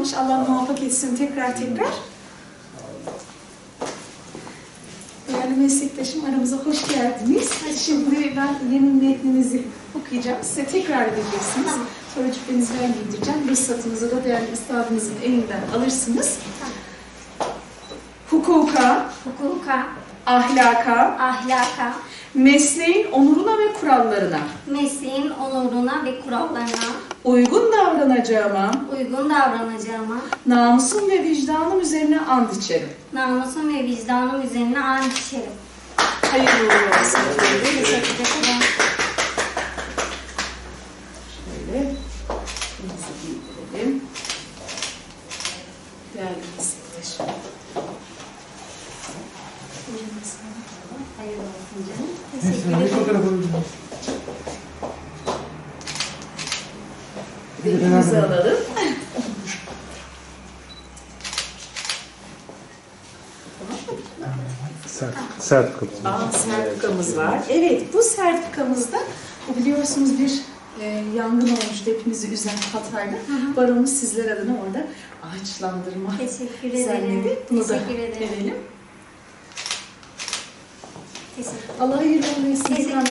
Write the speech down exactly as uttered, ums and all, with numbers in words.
almış. Allah muvaffak etsin tekrar tekrar. Değerli meslektaşım, aramıza hoş geldiniz. Şimdi ben yemin metninizi okuyacağım. Size tekrar edeceksiniz. Tamam. Sonra cübbenizi ben giydireceğim. Ruhsatınızı da değerli üstadınızın elinden alırsınız. Tamam. Hukuka, Hukuka, ahlaka, ahlaka, mesleğin onuruna ve kurallarına mesleğin onuruna ve kurallarına uygun davranacağıma, uygun davranacağıma, namusum ve vicdanım üzerine and içerim. namusum ve vicdanım üzerine ant içerim. Hayırlı uğurlu olsun. Teşekkür ederim. Şöyle, elimizi giydirelim. Değerli meslektaşım. Hayırlı olsun canım. Neyse, Teşekkür hangi ederim. fotoğrafı alabilirim? Elimizi alalım. Sert, sert kapı. Aa, sertifikamız var. Evet, bu sertifikamızda bu biliyorsunuz bir e, yangın olmuştu hepimizi üzen Hatay'da. Baronumuz sizler adına orada ağaçlandırma Teşekkür ederim. düzenledi. Bunu da Teşekkür ederim. verelim. Teşekkür Allah hayırlı olsun. Teşekkür